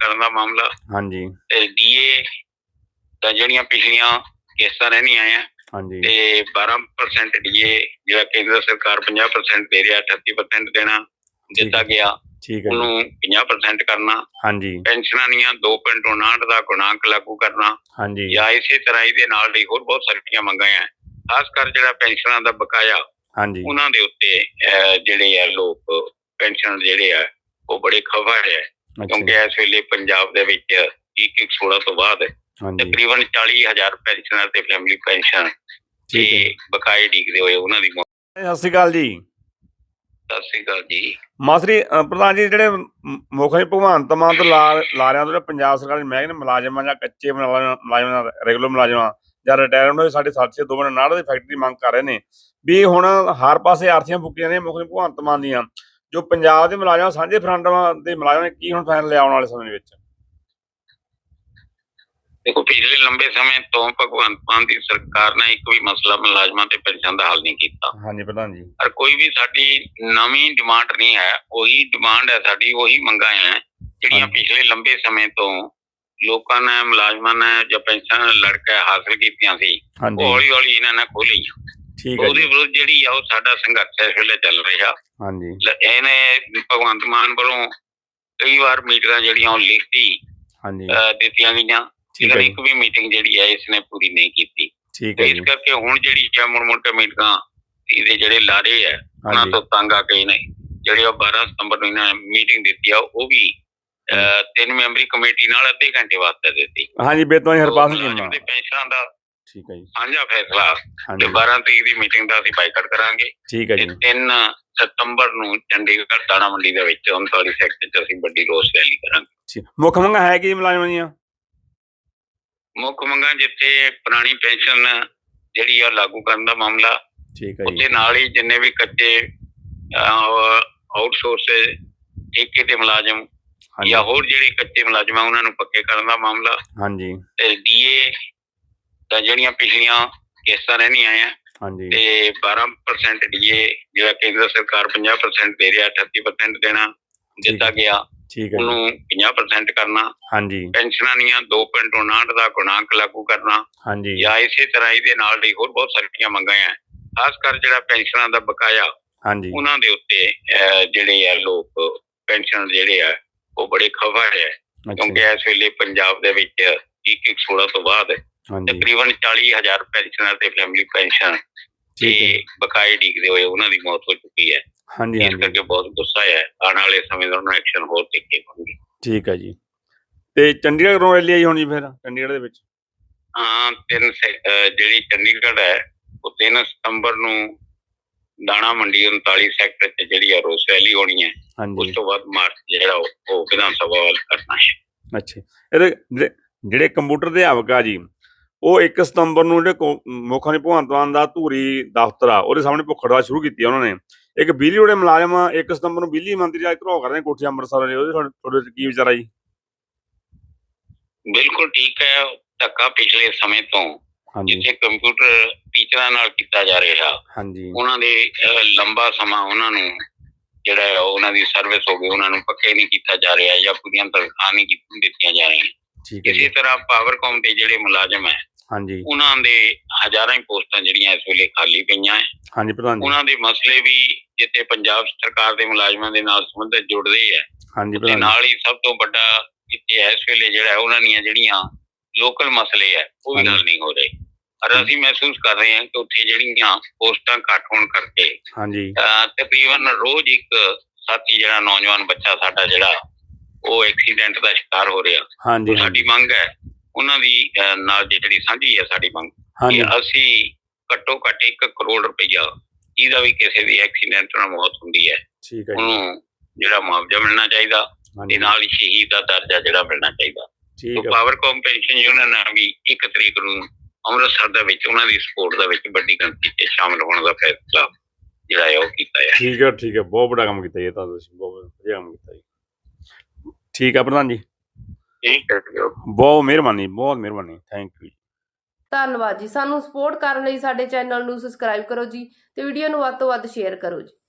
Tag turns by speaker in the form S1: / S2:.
S1: ਕਰਨ ਦਾ ਮਾਮਲਾ।
S2: ਹਾਂਜੀ
S1: ਤੇ ਡੀਏ ਤਾਂ ਜਿਹੜੀਆਂ ਪਿਛਲੀਆਂ ਕਿਸ਼ਤਾਂ ਰਹਿਣੀਆਂ ਆ
S2: ਹਾਂਜੀ
S1: ਤੇ 12% ਡੀਏ ਜਿਹੜਾ ਕੇਂਦਰ ਸਰਕਾਰ 50% ਦੇ ਰਿਹਾ 38% ਦੇਣਾ ਦਿੱਤਾ ਗਿਆ,
S2: ਠੀਕ ਹੈ ਜੀ।
S1: ਉਹਨੂੰ 50% ਕਰਨਾ।
S2: ਹਾਂਜੀ
S1: ਪੈਨਸ਼ਨਾਂ ਦੀਆਂ 2.59 ਦਾ ਗੁਣਾਂਕ ਲਾਗੂ ਕਰਨਾ
S2: ਹਾਂਜੀ
S1: ਜਾਂ ਇਸੇ ਤਰ੍ਹਾਂ ਇਹਦੇ ਨਾਲ ਹੀ ਹੋਰ ਬਹੁਤ ਸਾਰੀਆਂ ਮੰਗਾਂ ਆ। ਖਾਸ ਕਰ ਜਿਹੜਾ ਪੈਨਸ਼ਨਾਂ ਦਾ ਬਕਾਇਆ
S2: ਹਾਂਜੀ
S1: ਉਹਨਾਂ ਦੇ ਉੱਤੇ ਜਿਹੜੇ ਆ ਲੋਕ ਪੈਨਸ਼ਨ ਜਿਹੜੇ ਆ ਉਹ ਬੜੇ ਖਫਾ ਹੈ, ਕਿਉਂਕਿ ਇਸ ਵੇਲੇ ਪੰਜਾਬ ਦੇ ਵਿੱਚ 16 ਤੋਂ ਬਾਅਦ ਤਕਰੀਬਨ 40,000 ਪੈਨਸ਼ਨਰ ਤੇ ਫੈਮਿਲੀ ਪੈਨਸ਼ਨ ਤੇ ਬਕਾਏ ਡੀਕਦੇ ਹੋਏ ਉਹਨਾਂ ਦੀ।
S2: ਸਤਿ ਸ਼੍ਰੀ ਅਕਾਲ ਜੀ।
S1: ਸਤਿ ਸ਼੍ਰੀ ਅਕਾਲ ਜੀ।
S2: ਮਾਸਟਰੀ ਪ੍ਰਧਾਨ ਜੀ, ਜਿਹੜੇ ਮੁੱਖ ਮੰਤਰੀ ਭਗਵੰਤ ਮਾਨ ਤੋਂ ਲਾ ਰਿਹਾ ਜਿਹੜੇ ਪੰਜਾਬ ਸਰਕਾਰ ਦੇ ਮਹਿਕਮੇ ਮੁਲਾਜ਼ਮਾਂ ਜਾਂ ਕੱਚੇ ਮੁਲਾਜ਼ਮਾਂ ਰੈਗੂਲਰ ਮੁਲਾਜ਼ਮਾਂ ਜਾਂ ਰਿਟਾਇਰਡ ਹੋਏ ਸਾਡੇ ਸਾਥੀ 2.59 ਦੀ ਫੈਕਟਰੀ ਮੰਗ ਕਰ ਰਹੇ ਨੇ ਵੀ ਹੁਣ ਹਰ ਪਾਸੇ ਆਰਥੀਆਂ ਫੁੱਕੀਆਂ ਨੇ ਮੁੱਖ ਮੰਤਰੀ ਭਗਵੰਤ ਮਾਨ ਦੀਆਂ, ਜੋ ਪੰਜਾਬ ਦੇ ਮੁਲਾਜ਼ਮਾਂ ਸਾਂਝੇ ਫਰੰਟ ਦੇ ਮੁਲਾਜ਼ਮਾਂ ਨੇ ਕੀ ਹੁਣ ਫੈਸਲੇ ਆਉਣ ਵਾਲੇ ਸਮੇਂ ਵਿੱਚ?
S1: ਦੇਖੋ, ਪਿਛਲੇ ਲੰਬੇ ਸਮੇਂ ਤੋਂ ਭਗਵੰਤ ਮਾਨ ਦੀ ਸਰਕਾਰ ਨੇ ਇੱਕ ਵੀ ਮਸਲਾ ਮੁਲਾਜ਼ਮਾਂ ਤੇ ਪੈਨਸ਼ਨ ਦਾ ਹੱਲ ਨਹੀਂ ਕੀਤਾ।
S2: ਹਾਂਜੀ ਪ੍ਰਧਾਨ ਜੀ।
S1: ਪਰ ਕੋਈ ਵੀ ਸਾਡੀ ਨਵੀਂ ਡਿਮਾਂਡ ਨਹੀਂ ਹੈ, ਉਹੀ ਡਿਮਾਂਡ ਹੈ ਸਾਡੀ, ਉਹੀ ਮੰਗਾਂ ਹੈ ਜਿਹੜੀਆਂ ਪਿਛਲੇ ਲੰਬੇ ਸਮੇਂ ਤੋਂ ਲੋਕਾਂ ਨੇ ਮੁਲਾਜ਼ਮਾਂ ਨੇ ਜੋ ਪੈਨਸ਼ਨ ਲੜ ਕੇ ਹਾਸਲ ਕੀਤੀਆਂ ਸੀ, ਉਹ ਹੌਲੀ ਹੌਲੀ ਇਹਨਾਂ ਨੇ ਖੋਹ ਲਈਆਂ। ਉਹਦੇ ਵਿਰੁੱਧ ਜਿਹੜੀ ਆ ਉਹ ਸਾਡਾ ਸੰਘਰਸ਼ ਇਸ ਵੇਲੇ ਚੱਲ ਰਿਹਾ। ਇਹਨੇ ਭਗਵੰਤ ਮਾਨ ਵੱਲੋਂ ਕਈ ਵਾਰ ਮੀਟਿੰਗਾਂ ਜਿਹੜੀਆਂ ਉਹ ਲਿਖਤੀ ਦਿੱਤੀਆਂ ਗਈਆਂ, ਇੱਕ ਵੀ ਮੀਟਿੰਗ ਜਿਹੜੀ ਹੈ ਇਸਨੇ ਪੂਰੀ ਨਹੀਂ ਕੀਤੀ। ਇਸ ਕਰਕੇ ਹੁਣ ਜਿਹੜੀ ਹੈ ਮੁੜ ਕੇ ਮੀਟਿੰਗਾਂ ਇਹਦੇ ਜਿਹੜੇ ਲਾਰੇ ਹੈ ਉਹਨਾਂ ਤੋਂ ਤੰਗ ਆ ਕੇ ਨੇ ਜਿਹੜੇ 12 ਸਤੰਬਰ ਨੂੰ ਇਹਨਾਂ ਨੇ ਮੀਟਿੰਗ ਦਿੱਤੀ ਆ, ਉਹ ਵੀ 3 ਮੈਂਬਰੀ ਕਮੇਟੀ ਨਾਲ ਅੱਧੇ ਘੰਟੇ ਵਾਸਤੇ ਦਿੱਤੀ।
S2: ਹਾਂਜੀ, ਬੇਤਵਾਈ ਹਰਪਾਲ ਸਿੰਘ
S1: ਦੇ ਪੈਨਸ਼ਨਾਂ ਦਾ
S2: ਠੀਕ ਹੈ ਜੀ
S1: ਸਾਂਝਾ ਫੈਸਲਾ ਤੇ 12 ਤਰੀਕ ਦੀ ਮੀਟਿੰਗ ਦਾ ਅਸੀਂ ਬਾਈਕਾਟ ਕਰਾਂਗੇ।
S2: ਠੀਕ ਹੈ ਜੀ।
S1: 3 ਸਤੰਬਰ ਨੂੰ ਚੰਡੀਗੜ੍ਹ ਦਾਣਾ ਮੰਡੀ ਦੇ ਵਿੱਚ 39 ਸੈਕਟਰ 'ਚ ਅਸੀਂ ਵੱਡੀ ਰੋਸ ਰੈਲੀ ਕਰਾਂਗੇ।
S2: ਮੁੱਖ ਮੰਗਾਂ ਹੈ ਕੀ ਮੁਲਾਜ਼ਮਾਂ ਦੀਆਂ? ਮੁੱਖ
S1: ਮੰਗਾਂ ਜਿੱਥੇ ਪੁਰਾਣੀ ਪੈਨਸ਼ਨ ਜਿਹੜੀ ਆ ਲਾਗੂ ਕਰਨ ਦਾ ਮਾਮਲਾ, ਉਹਦੇ ਨਾਲ ਹੀ ਜਿੰਨੇ ਵੀ ਕੱਚੇ ਆਊਟਸੋਰਸ ਠੇਕੇ ਤੇ ਮੁਲਾਜ਼ਮ ਜਾਂ ਹੋਰ ਜਿਹੜੇ ਕੱਚੇ ਮੁਲਾਜ਼ਮ ਆ ਉਹਨਾਂ ਨੂੰ ਪੱਕੇ ਕਰਨ ਦਾ ਮਾਮਲਾ। ਤੇ ਡੀਏ ਤਾਂ ਜਿਹੜੀਆਂ ਪਿਛਲੀਆਂ ਕਿਸ਼ਤਾਂ ਰਹਿਣੀਆਂ ਆ ਤੇ 12% ਡੀਏ ਜਿਹੜਾ ਕੇਂਦਰ ਸਰਕਾਰ 50% ਦੇ ਰਿਹਾ 38% ਦੇਣਾ ਦਿੱਤਾ ਗਿਆ, ਉਹਨੂੰ 50% ਕਰਨਾ। ਪੈਨਸ਼ਨਾਂ ਦੀਆਂ 2.59 ਦਾ ਗੁਣਾਂਕ ਲਾਗੂ ਕਰਨਾ ਜਾਂ ਇਸੇ ਤਰ੍ਹਾਂ ਇਹਦੇ ਨਾਲ ਹੀ ਹੋਰ ਬਹੁਤ ਸਾਰੀਆਂ ਮੰਗਾਂ ਆ। ਖਾਸ ਕਰ ਜਿਹੜਾ ਪੈਨਸ਼ਨਾਂ ਦਾ ਬਕਾਇਆ ਉਹਨਾਂ ਦੇ ਉੱਤੇ ਜਿਹੜੇ ਆ ਲੋਕ ਪੈਨਸ਼ਨ ਜਿਹੜੇ ਆ ਉਹ ਬੜੇ ਖਫਾ ਹੈ, ਕਿਉਂਕਿ ਇਸ ਵੇਲੇ ਪੰਜਾਬ ਦੇ ਵਿੱਚ 16 ਤੋਂ ਬਾਅਦ ਤਕਰੀਬਨ 40,000 ਪੈਨਸ਼ਨਰ ਤੇ ਫੈਮਿਲੀ ਪੈਨਸ਼ਨ ਤੇ ਬਕਾਏ ਡੀਕਦੇ ਹੋਏ ਉਹਨਾਂ ਦੀ ਮੌਤ ਹੋ ਚੁੱਕੀ ਹੈ। ਇਸ ਕਰਕੇ ਬਹੁਤ ਗੁੱਸਾ ਹੈ, ਆਉਣ ਵਾਲੇ ਸਮੇਂ ਦਾ ਐਕਸ਼ਨ ਹੋਰ ਤਿੱਖੇ ਹੋਣਗੇ।
S2: ਠੀਕ ਹੈ ਜੀ। ਤੇ ਚੰਡੀਗੜ੍ਹ ਤੋਂ ਰੈਲੀ ਆਈ ਹੋਣੀ ਫਿਰ ਚੰਡੀਗੜ੍ਹ ਦੇ ਵਿੱਚ?
S1: ਹਾਂ, ਜਿਹੜੀ ਚੰਡੀਗੜ੍ਹ ਹੈ ਉਹ 3 ਸਤੰਬਰ ਨੂੰ ਦਾਣਾ ਮੰਡੀ 39 ਸੈਕਟਰ 'ਚ ਜਿਹੜੀ ਆ ਰੋਸ ਰੈਲੀ ਹੋਣੀ ਹੈ। ਉਸ ਤੋਂ ਬਾਅਦ ਮਾਰਚ ਜਿਹੜਾ ਉਹ ਵਿਧਾਨ ਸਭਾ ਵੱਲ ਕਰਨਾ ਹੈ।
S2: ਅੱਛਾ, ਇਹਦੇ ਜਿਹੜੇ ਕੰਪਿਊਟਰ ਅਧਿਆਪਕ ਆ ਜੀ, ਉਹ 1 ਸਤੰਬਰ ਨੂੰ ਜਿਹੜੇ ਮੁੱਖ ਮੰਤਰੀ ਭਗਵੰਤ ਮਾਨ ਦਾ ਧੂਰੀ ਦਫ਼ਤਰ ਆ ਉਹਦੇ ਸਾਹਮਣੇ ਭੁੱਖ ਹੜਤਾਲ ਸ਼ੁਰੂ ਕੀਤੀ ਉਹਨਾਂ ਨੇ। ਇੱਕ ਬਿਜਲੀ ਵਾਲੇ ਮੁਲਾਜ਼ਮ 1 ਸਤੰਬਰ ਨੂੰ ਬਿਜਲੀ ਮੰਤਰੀ ਦਾ ਘਰੋ ਕਰ ਰਹੇ ਕੋਠੀ ਅੰਮ੍ਰਿਤਸਰ, ਉਹਦੇ ਤੁਹਾਡੇ ਕੀ ਵਿਚਾਰ ਆ ਜੀ?
S1: ਬਿਲਕੁਲ ਠੀਕ ਹੈ। ਧੱਕਾ ਪਿਛਲੇ ਸਮੇਂ ਤੋਂ ਜਿੱਥੇ ਕੰਪਿਊਟਰ ਟੀਚਰਾਂ ਨਾਲ ਕੀਤਾ ਜਾ ਰਿਹਾ, ਉਹਨਾਂ ਦੇ ਲੰਬਾ ਸਮਾਂ ਉਹਨਾਂ ਨੂੰ ਜਿਹੜਾ ਉਹਨਾਂ ਦੀ ਸਰਵਿਸ ਹੋ ਗਈ, ਉਹਨਾਂ ਨੂੰ ਪੱਕੇ ਨਹੀਂ ਕੀਤਾ ਜਾ ਰਿਹਾ ਜਾਂ ਪੂਰੀਆਂ ਤਨਖਾਹਾਂ ਨਹੀਂ ਦਿੱਤੀਆਂ ਜਾ ਰਹੀਆਂ। ਇਸੇ ਤਰ੍ਹਾਂ ਪਾਵਰਕਾਮ ਦੇ ਜਿਹੜੇ ਮੁਲਾਜ਼ਮ ਹੈ ਉਹਨਾਂ ਦੇ ਹਜ਼ਾਰਾਂ ਹੀ ਪੋਸਟਾਂ ਜਿਹੜੀਆਂ ਇਸ ਵੇਲੇ ਖਾਲੀ ਪਈਆਂ ਹੈ। ਉਹਨਾਂ ਦੇ ਮਸਲੇ ਵੀ ਜਿੱਥੇ ਪੰਜਾਬ ਸਰਕਾਰ ਦੇ ਮੁਲਾਜ਼ਮਾਂ ਦੇ ਨਾਲ ਸੰਬੰਧਿਤ ਜੁੜਦੇ ਹੈ, ਤੇ ਨਾਲ ਹੀ ਸਭ ਤੋਂ ਵੱਡਾ ਇੱਥੇ ਇਸ ਵੇਲੇ ਜਿਹੜਾ ਉਹਨਾਂ ਦੀਆਂ ਜਿਹੜੀਆਂ ਲੋਕਲ ਮਸਲੇ ਹੈ ਉਹ ਵੀ ਹੱਲ ਨਹੀਂ ਹੋ ਰਹੇ। ਪਰ ਅਸੀਂ ਮਹਿਸੂਸ ਕਰ ਰਹੇ ਹਾਂ ਕਿ ਉੱਥੇ ਜਿਹੜੀਆਂ ਪੋਸਟਾਂ ਘੱਟ ਹੋਣ ਕਰਕੇ ਤਕਰੀਬਨ ਰੋਜ਼ ਇੱਕ ਸਾਥੀ ਜਿਹੜਾ ਨੌਜਵਾਨ ਬੱਚਾ ਸਾਡਾ ਜਿਹੜਾ ਉਹ ਐਕਸੀਡੈਂਟ ਦਾ ਸ਼ਿਕਾਰ ਹੋ ਰਿਹਾ। ਸਾਡੀ ਮੰਗ ਹੈ ਉਹਨਾਂ ਦੀ ਨਾਲ ਜਿਹੜੀ ਸਾਂਝੀ ਹੈ ਸਾਡੀ ਮੰਗ ਕਿ ਅਸੀਂ ਘੱਟੋ ਘੱਟ 1 ਕਰੋੜ ਰੁਪਈਆ ਜਿਹਦਾ ਵੀ ਕਿਸੇ ਦੀ ਐਕਸੀਡੈਂਟ ਨਾਲ ਮੌਤ ਹੁੰਦੀ ਹੈ ਉਹਨੂੰ ਜਿਹੜਾ ਮੁਆਵਜ਼ਾ ਮਿਲਣਾ ਚਾਹੀਦਾ ਤੇ ਨਾਲ ਹੀ ਸ਼ਹੀਦ ਦਾ ਦਰਜਾ ਜਿਹੜਾ ਮਿਲਣਾ ਚਾਹੀਦਾ। ਪਾਵਰਕਾਮ ਪੈਨਸ਼ਨ ਯੂਨੀਅਨ ਨੇ ਵੀ 1 ਤਰੀਕ ਨੂੰ ਅੰਮ੍ਰਿਤਸਰ ਦੇ ਵਿੱਚ ਉਹਨਾਂ ਦੀ ਸਪੋਰਟ ਦੇ ਵਿੱਚ ਵੱਡੀ ਗਿਣਤੀ 'ਚ ਸ਼ਾਮਲ ਹੋਣ ਦਾ ਫੈਸਲਾ ਜਿਹੜਾ ਹੈ ਉਹ ਕੀਤਾ ਹੈ।
S2: ਠੀਕ ਹੈ, ਠੀਕ ਹੈ, ਬਹੁਤ ਵੱਡਾ ਕੰਮ ਕੀਤਾ ਜੀ ਤਾਂ ਤੁਸੀਂ, ਬਹੁਤ ਵਧੀਆ ਕੰਮ ਕੀਤਾ ਜੀ। ਠੀਕ ਹੈ ਪ੍ਰਧਾਨ ਜੀ, ਬਹੁਤ ਮਿਹਰਬਾਨੀ, ਬਹੁਤ ਮਿਹਰਬਾਨੀ, ਥੈਂਕ ਯੂ।
S3: ਧੰਨਵਾਦ ਜੀ। ਸਾਨੂੰ ਸਪੋਰਟ ਕਰਨ ਲਈ ਸਾਡੇ ਚੈਨਲ ਨੂੰ ਸਬਸਕ੍ਰਾਈਬ ਕਰੋ ਜੀ ਤੇ ਵੀਡੀਓ ਨੂੰ ਵੱਧ ਤੋਂ ਵੱਧ ਸ਼ੇਅਰ ਕਰੋ ਜੀ।